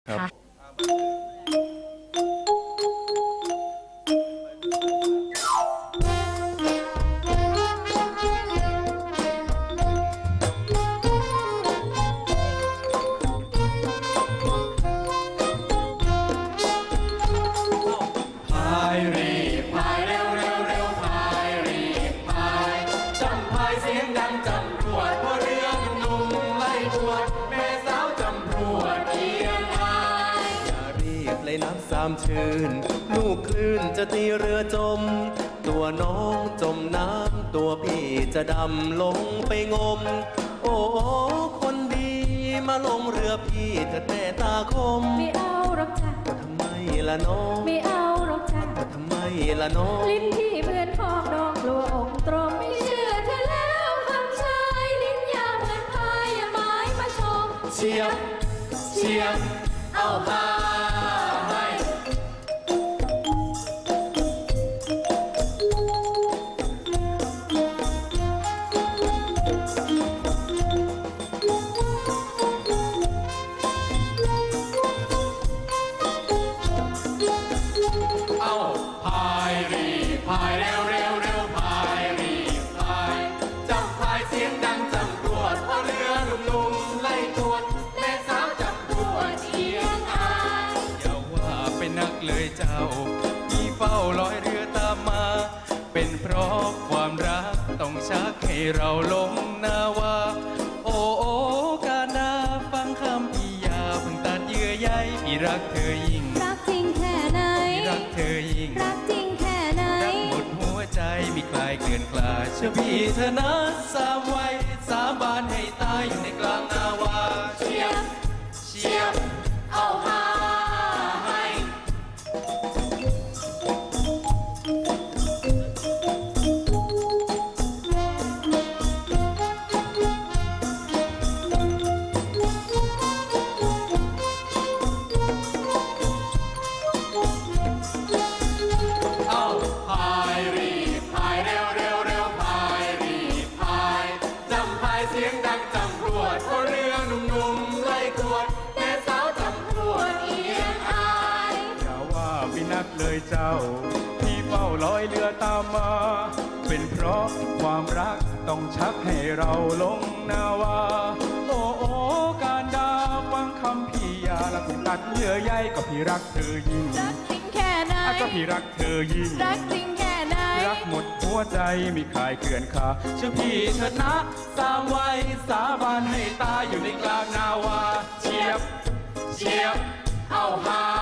ค่ะพายรีพายเร็วเร็วเร็วพายรีพายจำพายเสียงดังจำรวดพอเรือหนุ่มไล่บวดแม่สาวจำรวดเอียงอายอย่ารีบเลยน้ำสามชื่นลูกคลื่นจะตีเรือจมตัวน้องจมน้ำตัวพี่จะดำลงไปงมโอ้คนดีมาลงเรือพี่เถิดแม่ตาคมไม่เอาหรอกจ้ะทำไมล่ะน้องไม่เอาหรอกจ้ะทำไมล่ะน้องลิ้นพี่เหมือนพอกดอกกลัวอกตรมไม่เชื่อเธอแล้วคำชายลิ้นยาวเหมือนพายอย่าไม้มาชมเชียบเชียบเอาพาให้เอาพายรีพายเร็วเร็วเร็วพายรีพายจำพายเสียงดังจำรวดพอเรือหนุ่มๆไล่ตรวจแม่สาวจำรวดเอียงอายอย่าว่าเป็นนักเลยเจ้าพี่เฝ้าลอยเรือตามมาเป็นเพราะความรักต้องชักให้เราลงนาวาโอ้โอ้กานาฟังคำพี่อย่าเพิ่งตัดเยื่อใยพี่รักเธอยิ่งรักจริงแค่ไหนพี่รักเธอยิ่งรักจริงแค่ไหนรักหมดหัวใจมีคลายเกลื่อนกลาเชื่อพี่เธอนะสามไว้สาบานให้ตายอยู่ในกลางนาวาเชียบเชียบเอาพาให้เอาพายรีพายเร็วเร็วเร็วพายรีพายจำพายเสียงดังจำรวดพอเรือหนุ่มๆไล่กวดแม่สาวจำรวดเอียงอายอย่าว่าพี่นักเลยเจ้าพี่เฝ้าลอยเรือตามมาเป็นเพราะความรักต้องชักให้เราลงนาวาโอ้โอ้การดาฟังคำพี่อย่าละคุณตัดเยื่อใยก็พี่รักเธอยิ่งรักจริงแค่ไหนก็พี่รักเธอยิ่งรักจริงแค่ไหนรักหมดหัวใจมีคลายเกลื่อนคาเชื่อพี่เถิดนะสามไว้สาบานให้ตายอยู่ในกลางนาวาเชียบเชียบเอาหา